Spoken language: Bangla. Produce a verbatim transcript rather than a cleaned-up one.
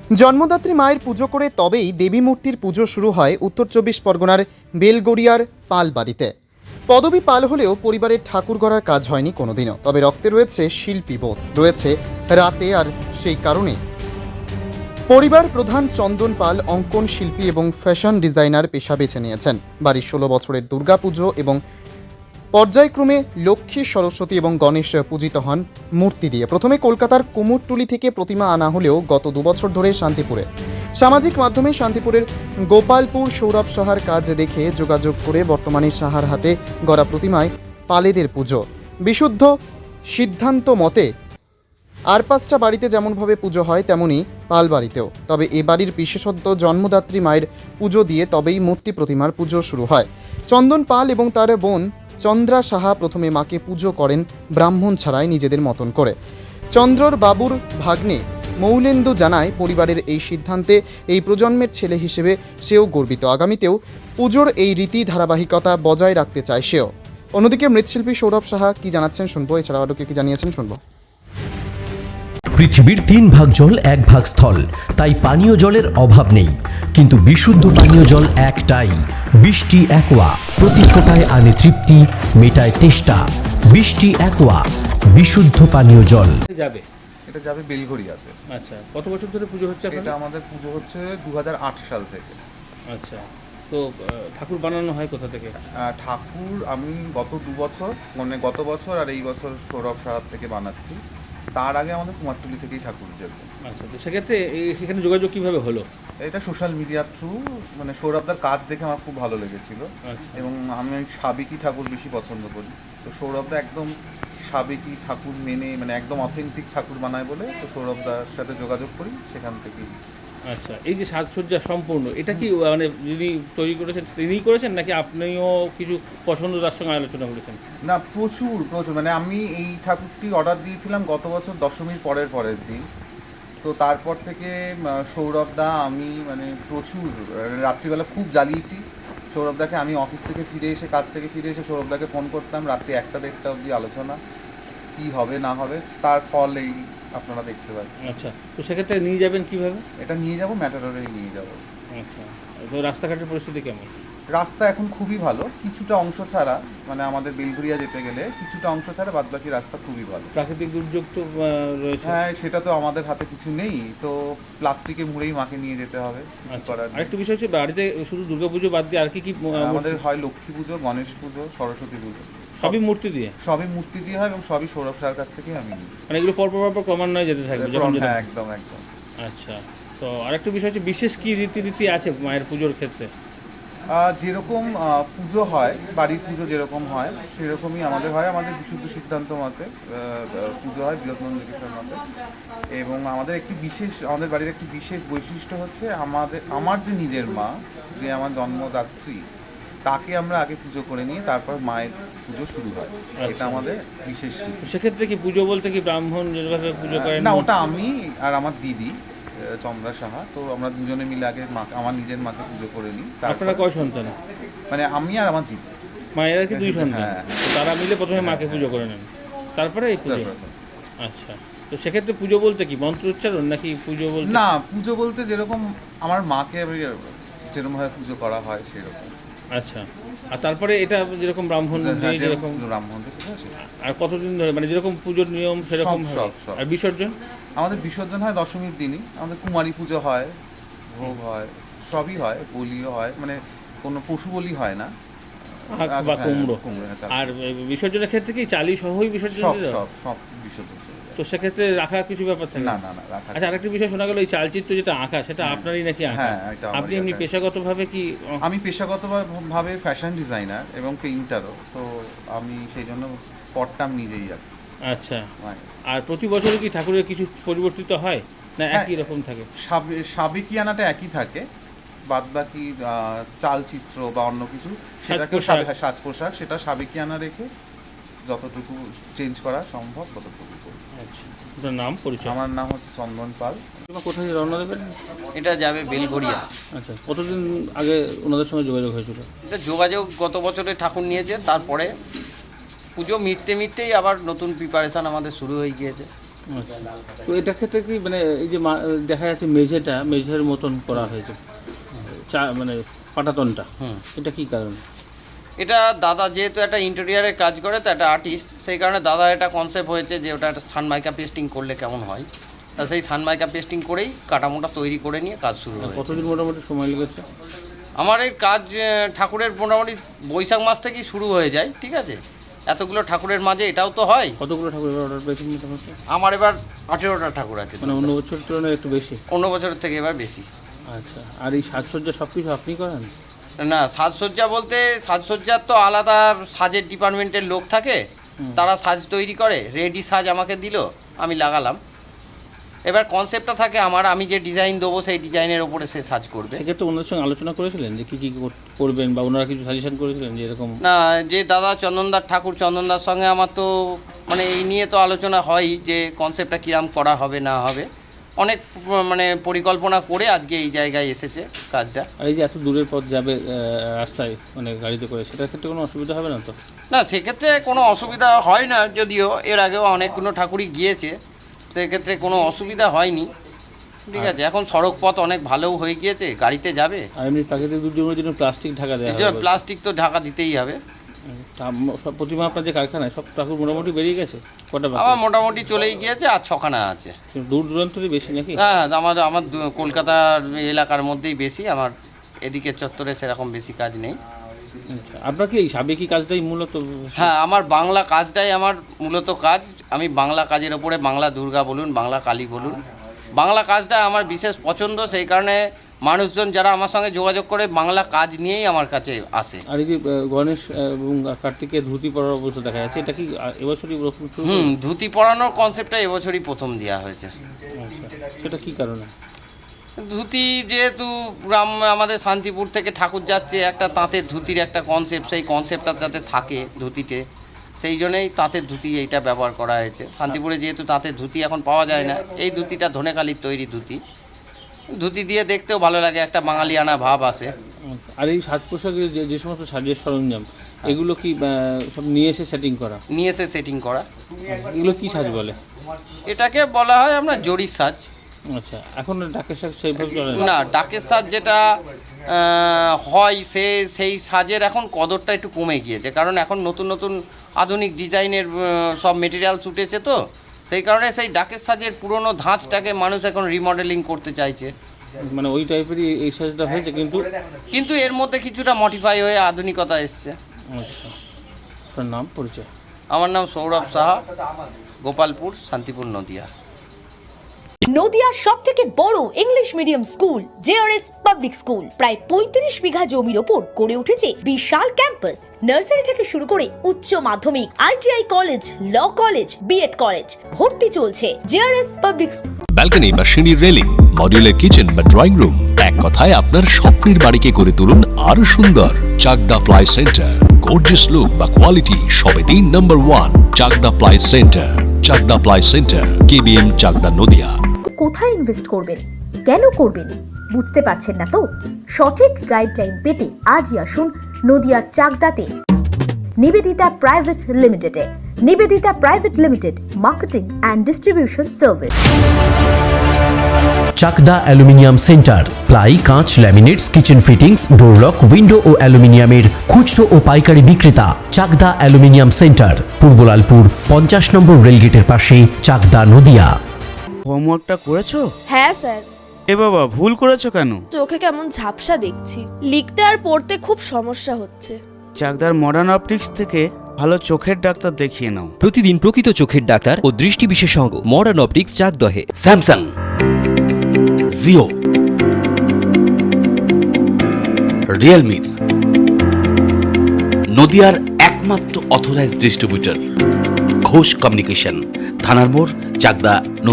জন্মদাত্রী মায়ের পুজো করে তবেই দেবী মূর্তির পুজো শুরু হয় উত্তর চব্বিশ পরগনার বেলগড়িয়ার পাল বাড়িতে। পদবী পাল হলেও পরিবারের ঠাকুর গড়ার কাজ হয়নি কোনোদিনও। তবে রক্তে রয়েছে শিল্পী বোধ, রয়েছে রাতে, আর সেই কারণে পরিবার প্রধান চন্দন পাল অঙ্কন শিল্পী এবং ফ্যাশন ডিজাইনার পেশা বেছে নিয়েছেন। বাড়ির ষোলো বছরের দুর্গাপুজো এবং পর্যায়ক্রমে লক্ষ্মী, সরস্বতী এবং গণেশ পূজিত হন মূর্তি দিয়ে। প্রথমে কলকাতার কুমোরটুলি থেকে প্রতিমা আনা হলেও গত দুবছর ধরে শান্তিপুরে সামাজিক মাধ্যমে শান্তিপুরের গোপালপুর সৌরভ সাহার কাজ দেখে যোগাযোগ করে বর্তমানে সাহার হাতে গড়া প্রতিমায় পালেদের পুজো। বিশুদ্ধ সিদ্ধান্ত মতে আর পাঁচটা বাড়িতে যেমনভাবে পুজো হয় তেমনই পাল বাড়িতেও। তবে এ বাড়ির বিশেষত্ব জন্মদাত্রী মায়ের পুজো দিয়ে তবেই মূর্তি প্রতিমার পুজো শুরু হয়। চন্দন পাল এবং তার বোন চন্দ্রা সাহা প্রথমে মাকে পুজো করেন ব্রাহ্মণ ছাড়াই নিজেদের মতন করে। চন্দ্রর বাবুর ভাগ্নে মৌলেন্দু জানায়, পরিবারের এই সিদ্ধান্তে এই প্রজন্মের ছেলে হিসেবে সেও গর্বিত। আগামীতেও পুজোর এই রীতি ধারাবাহিকতা বজায় রাখতে চায় সেও। অন্যদিকে মৃৎশিল্পী সৌরভ সাহা কি জানাচ্ছেন শুনবো, এছাড়াও আরও কি জানিয়েছেন শুনবো। পৃথিবীর তিন ভাগ জল এক ভাগ স্থল, তাই পানীয় জলের অভাব নেই। কিন্তু বিশুদ্ধ পানীয় জল একটাই, বৃষ্টি অ্যাকোয়া। প্রতি ফোটায় আনে তৃপ্তি, মেটায় তেষ্টা। বৃষ্টি অ্যাকোয়া, বিশুদ্ধ পানীয় জল। যাবে এটা যাবে বেলঘড়িয়াতে। আচ্ছা, কত বছর ধরে পুজো হচ্ছে এটা আপনাদের? আমাদের পুজো হচ্ছে দু হাজার আট সাল থেকে। আচ্ছা, তো আহ, ঠাকুর বানানো হয় কোথা থেকে? আহ, ঠাকুর আমি গত দু বছর মানে গত বছর আর এই বছর সৌরভ সাহার থেকে বানাচ্ছি। তার আগে আমাদের কুমারটুলি থেকেই ঠাকুর যেত। আচ্ছা, তো সেক্ষেত্রে এই- সেখানে যোগাযোগ কিভাবে হলো? এটা সোশ্যাল মিডিয়ার থ্রু, মানে সৌরভদার কাজ দেখে আমার খুব ভালো লেগেছিল আচ্ছা, এবং আমি সাবেকি ঠাকুর বেশি পছন্দ করি। তো সৌরভদা একদম সাবেকি ঠাকুর মেনে মানে একদম অথেন্টিক ঠাকুর বানায় বলে তো সৌরভদার সাথে যোগাযোগ করি, সেখান থেকেই। আচ্ছা, এই যে সাজসজ্জা সম্পূর্ণ, এটা কি মানে যিনি তৈরি করেছেন তিনিই করেছেন নাকি আপনিও কিছু পছন্দ তার সঙ্গে আলোচনা করেছেন? না, প্রচুর প্রচুর মানে আমি এই ঠাকুরটি অর্ডার দিয়েছিলাম গত বছর দশমীর পরের পরের দিন। তো তারপর থেকে সৌরভদা আমি মানে প্রচুর রাত্রিবেলা খুব জ্বালিয়েছি সৌরভদাকে। আমি অফিস থেকে ফিরে এসে কাজ থেকে ফিরে এসে সৌরভদাকে ফোন করতাম, রাত্রি একটা দেড়টা অবধি আলোচনা, কি হবে না হবে, তার ফল এই আপনারা দেখতে পাচ্ছেন। আচ্ছা, তো সেক্ষেত্রে নিয়ে যাবেন কিভাবে? এটা নিয়ে যাব, ম্যাটাডোরেই নিয়ে যাব। আচ্ছা, তো রাস্তাঘাটের পরিস্থিতি কেমন? রাস্তা এখন খুবই ভালো, কিছুটা অংশ ছাড়া মানে আমাদের বেলঘড়িয়া যেতে গেলে কিছুটা অংশ ছাড়া বাদবাকি রাস্তা খুবই ভালো। প্রাকৃতিক দুর্যোগ তো আহ, রয়েছে। হ্যাঁ, সেটা তো আমাদের হাতে কিছু নেই, তো প্লাস্টিকে মুড়েই মাকে নিয়ে যেতে হবে, কিছু আচ্ছা, করার নেই। আরেকটু বিষয় হচ্ছে বাড়িতে শুধু দুর্গাপুজো বাদ দিয়ে আর কি কি আহ, আমাদের মূর্তি? হয় লক্ষ্মী পুজো, গণেশ পুজো, সরস্বতী পুজো, সবই মূর্তি দিয়ে? সবই মূর্তি দিয়ে হয় এবং সবই সৌরভ সার কাছ থেকেই আমি নিই। মানে এগুলো পরপর পরপর ক্রমান্বয়ে যেতে থাকবে যখন যেটা? হ্যাঁ, একদম একদম। আচ্ছা, তো আরেকটা বিষয় হচ্ছে বিশেষ কি রীতিনীতি আছে মায়ের পুজোর ক্ষেত্রে? আহ, যেরকম আহ, পুজো হয়, বাড়ির পুজো যেরকম হয় সেরকমই আমাদের হয়। আমাদের বিশুদ্ধ সিদ্ধান্ত মতে আহ, আহ, পুজো হয় বৃহৎনন্দিকেশ্বর মতে। এবং আমাদের একটি বিশেষ আমাদের বাড়ির একটি বিশেষ বৈশিষ্ট্য হচ্ছে আমাদের আমার যে নিজের মা, যে আমার জন্মদাত্রী, তাকে আমরা আগে পুজো করে নিয়ে তারপর মায়ের পুজো শুরু হয়। এটা আমাদের বিশেষ রীতি। তো সেক্ষেত্রে কি পুজো বলতে কি ব্রাহ্মণ যেভাবে পুজো করেন? না, ওটা আমি আর আমার দিদি আহ, চন্দ্রা সাহা, তো আমরা দুজনে মিলে আগে মা আমার নিজের মাকে পুজো করে নিই। আপনারা তারপরে কয় সন্তান? মানে আমি আর আমার দিদি। মায়ের আর কি দুই সন্তান? হ্যাঁ। তো তারা মিলে প্রথমে মাকে পুজো করে নেন, তারপরে এই পুজো? তারপরে। আচ্ছা, তো সেক্ষেত্রে পুজো বলতে কি মন্ত্র উচ্চারণ নাকি পুজো বলতে? না, পুজো বলতে যেরকম আমার মাকে যেরকমভাবে পুজো করা হয় সেরকম। আচ্ছা, আর তারপরে এটা যেরকম ব্রাহ্মণ হ্যাঁ, দিয়ে যেরকম, ব্রাহ্মণ থেকে পুজো সেটা। আর কতদিন ধরে মানে যেরকম পুজোর নিয়ম সেরকম সব, হয়? সব, সব। আর বিসর্জন? আমাদের বিসর্জন হয় দশমীর দিনই। আমাদের কুমারী পুজো হয়, ভোগ হয়, সবই হয়, বলিও হয়, মানে কোনো পশু বলি হয় না। আখ বা হ্যাঁ, কুমড়ো? কুমড়ো, হ্যাঁ, চাল। আর বিসর্জনের ক্ষেত্রে কি চালি সহই বিসর্জন সব দিয়ে দেওয়া? সব সব বিসর্জন চলে যায়। তো সেক্ষেত্রে রাখার কিছু ব্যাপার থাকে? না না না, রাখা আচ্ছা, আরেকটা বিষয় শোনা গেল এই চালচিত্র যেটা আঁকা সেটা আপনারই নাকি আঁকা? হ্যাঁ, এটা আমারই আপনি এমনি আঁকা। পেশাগতভাবে কি? আমি পেশাগতভাবে ফ্যাশন ডিজাইনার এবং পেইন্টারও, তো আমি সেই জন্য পটটা আমি নিজেই আঁকি। আচ্ছা, মানে আর প্রতি বছরই কি ঠাকুরের কিছু পরিবর্তিত হয় না হ্যাঁ, একই রকম থাকে? সাবে- সাবেকিয়ানাটা একই থাকে, বাদ বাকি চালচিত্র বা অন্য কিছু সেটাকে সাজ-পোশাক। সাজ পোশাক সেটা সাবেকিয়ানা রেখে যতটুকু চেঞ্জ করা সম্ভব ততটুকু করি। আচ্ছা, আপনার নাম পরিচয়? আমার নাম হচ্ছে চন্দন পাল। আপনারা কোথায় রওনা দেবেন? এটা যাবে বেলঘড়িয়া। আচ্ছা, কতদিন আগে ওনাদের সঙ্গে যোগাযোগ হয়েছিল? এটা যোগাযোগ গত বছরে ঠাকুর নিয়েছে, তারপরে পুজো মিটতে মিটতেই আবার নতুন প্রিপারেশান আমাদের শুরু হয়ে গিয়েছে। আচ্ছা, তো এটার ক্ষেত্রে কি মানে এই যে মা- দেখা যাচ্ছে মেঝেটা মেঝের মতন করা হয়েছে, চা মানে পাটাতনটা, হুম। এটা কি কারণ? এটা দাদা যেহেতু একটা ইন্টেরিয়ারে কাজ করে তো একটা আর্টিস্ট, সেই কারণে দাদা এটা কনসেপ্ট হয়েছে যে ওটা একটা সানমাইকা পেস্টিং করলে কেমন হয়, তা সেই সানমাইকা পেস্টিং করেই কাঠামোটা তৈরি করে নিয়ে কাজ শুরু হয়েছে। কতদিন মোটামুটি সময় লেগেছে? আমার এই কাজ আহ, ঠাকুরের মোটামুটি বৈশাখ মাস থেকেই শুরু হয়ে যায়, ঠিক আছে। এতগুলো ঠাকুরের মাঝে এটাও তো হয়। কতগুলো ঠাকুর অর্ডার পেয়েছেন মোটামুটি? আমার এবার আঠেরোটা ঠাকুর আছে, মানে অন্য বছরের তুলনায় একটু বেশি। অন্য বছরের থেকে এবার বেশি। আচ্ছা, আর এই সাজসজ্জা সব কিছু আপনি করেন? না, সাজসজ্জা বলতে সাজসজ্জার তো আলাদা সাজের ডিপার্টমেন্টের লোক থাকে, তারা সাজ তৈরি করে, রেডি সাজ আমাকে দিল, আমি লাগালাম। এবার কনসেপ্টটা থাকে আমার, আমি যে ডিজাইন দেবো সেই ডিজাইনের ওপরে সে সাজ করবে। সেক্ষেত্রে ওনাদের সঙ্গে আলোচনা করেছিলেন যে কী কী কর- করবেন, বা ওনারা কিছু সাজেশন করেছিলেন যে এরকম? না, যে দাদা চন্দনদার ঠাকুর, চন্দনদার সঙ্গে আমার তো মানে এই নিয়ে তো আলোচনা হয় যে কনসেপ্টটা কীরকম করা হবে না হবে, অনেক উম, মানে পরিকল্পনা করে আজকে এই জায়গায় এসেছে কাজটা। আর এই যে এত দূরের পথ যাবে আহ, রাস্তায় মানে গাড়িতে করে, সেটার ক্ষেত্রে কোনো অসুবিধা হবে না তো? না, সেক্ষেত্রে কোনো অসুবিধা হয় না, যদিও এর আগেও অনেকগুলো ঠাকুরই গিয়েছে, সেক্ষেত্রে কোনো অসুবিধা হয়নি, ঠিক আছে। এখন সড়ক পথ অনেক ভালোও হয়ে গিয়েছে, গাড়িতে যাবে। আর এমনি প্রাকৃতিক দুর্যোগের জন্য প্লাস্টিক ঢাকা দেওয়া এই যে হবে। প্লাস্টিক তো ঢাকা দিতেই হবে। তা ম- সব প্রতিমা আপনার যে কারখানায় সব ঠাকুর মোটামুটি বেরিয়ে গেছে, কটা বাকি? আমার মোটামুটি চলেই গিয়েছে, আর ছখানা আছে। দূর দূরান্তরই বেশি নাকি? হ্যাঁ, আমার আমার দু- কলকাতার এলাকার মধ্যেই বেশি, আমার এদিকে চত্বরে সেরকম বেশি কাজ নেই। আচ্ছা, আপনার কি এই সাবেকি কাজটাই মূলত? হ্যাঁ, আমার বাংলা কাজটাই আমার মূলত কাজ। আমি বাংলা কাজের ওপরে, বাংলা দুর্গা বলুন, বাংলা কালী বলুন, বাংলা কাজটা আমার বিশেষ পছন্দ, সেই কারণে মানুষজন যারা আমার সঙ্গে যোগাযোগ করে বাংলা কাজ নিয়েই আমার কাছে আসে। আর এই যে আহ, গণেশ আহ, এবং কার্তিকের ধুতি পরার অবস্থা দেখা যাচ্ছে, এটা কি আহ, এবছরই প্রথম শুরু হুম, হয়েছে? ধুতি পরানোর কনসেপ্টটা এবছরই প্রথম দেওয়া হয়েছে। আচ্ছা, সেটা কি কারণে? ধুতি যেহেতু গ্রাম আমাদের শান্তিপুর থেকে ঠাকুর যাচ্ছে, একটা তাঁতের ধুতির একটা কনসেপ্ট, সেই কনসেপ্টটা যাতে থাকে ধুতিতে, সেই জন্যই তাঁতের ধুতি এইটা ব্যবহার করা হয়েছে। শান্তিপুরে যেহেতু তাঁতের ধুতি এখন পাওয়া যায় না, এই ধুতিটা ধনেকালির তৈরি ধুতি, ধুতি দিয়ে দেখতেও ভালো লাগে, একটা বাঙালিয়ানা ভাব আসে। আচ্ছা, আর এই সাজ পোশাকের যে যে সমস্ত সাজের সরঞ্জাম, এগুলো কি আহ, সব নিয়ে এসে সেটিং করা? নিয়ে এসে সেটিং করা। এগুলো কি সাজ বলে? এটাকে বলা হয় আমরা জরির সাজ। আচ্ছা, এখন ডাকের সাজ সেইভাবে চলে না? না, ডাকের সাজ যেটা আহ, হয় সে সেই সাজের এখন কদরটা একটু কমে গিয়েছে, কারণ এখন নতুন নতুন আধুনিক ডিজাইনের আহ, সব মেটেরিয়ালস উঠেছে, তো সেই কারণে সেই ডাকের সাজের পুরনো ধাঁচটাকে মানুষ এখন রিমডেলিং করতে চাইছে। মানে ওই টাইপেরই এই সাজটা হয়েছে, কিন্তু কিন্তু এর মধ্যে কিছুটা মডিফাই হয়ে আধুনিকতা এসছে। আচ্ছা, আপনার নাম পরিচয়? আমার নাম সৌরভ সাহা, গোপালপুর, শান্তিপুর, নদিয়া। নদিয়ার সব থেকে বড় English medium school JRS public school প্রায় পঁয়ত্রিশ বিঘা জমির ওপর গড়ে উঠেছে বিশাল ক্যাম্পাস। নার্সারি থেকে শুরু করে উচ্চ মাধ্যমিক, ITI college, law college, BEd college, ভর্তি চলছে জেআরএস পাবলিক। ব্যালকনি বা সিঁড়ির রেলিং, মডিউলার কিচেন বা ড্রয়িং রুম, এক কথায় আপনার স্বপ্নের বাড়িকে করে তুলুন আরো সুন্দর। Chakdah ply centre, gorgeous look বা কোয়ালিটি সবে তিন number one. Chakdah ply centre, Chakdah ply centre, KBM, Chakdah, Nadia. কোথায় ইনভেস্ট করবেন, কেন করবেন, বুঝতে পারছেন না তো? সঠিক গাইডলাইন পেতে আজই আসুন নদিয়ার চাকদাতে নিবেদিতা প্রাইভেট লিমিটেডে। Nivedita private limited, marketing and distribution service. Chakdah aluminium centre, ply, কাঁচ, laminates, kitchen fittings, door lock, window ও অ্যালুমিনিয়ামের খুচরো ও পাইকারি বিক্রেতা। চাকদা অ্যালুমিনিয়াম সেন্টার, পূর্বলালপুর, পঞ্চাশ নম্বর রেলগেটের পাশে, চাকদা, নদিয়া। হোমওয়ার্কটা করেছো? হ্যাঁ স্যার। এ বাবা, ভুল করেছো কেন? চোখে কেমন ঝাপসা দেখছি, লিখতে আর পড়তে খুব সমস্যা হচ্ছে। চাকদার মডার্ন অপটিক্স থেকে ভালো চোখের ডাক্তার দেখিয়ে নাও। প্রতিদিন প্রকৃত চোখের ডাক্তার ও দৃষ্টি বিশেষজ্ঞ মডার্ন অপটিক্স, চাকদহে। স্যামসাং, জিও, রিয়েলমি, নদিয়ার একমাত্র অথরাইজড ডিস্ট্রিবিউটর ঘোষ কমিউনিকেশন, থানার মোড়, চাকদা।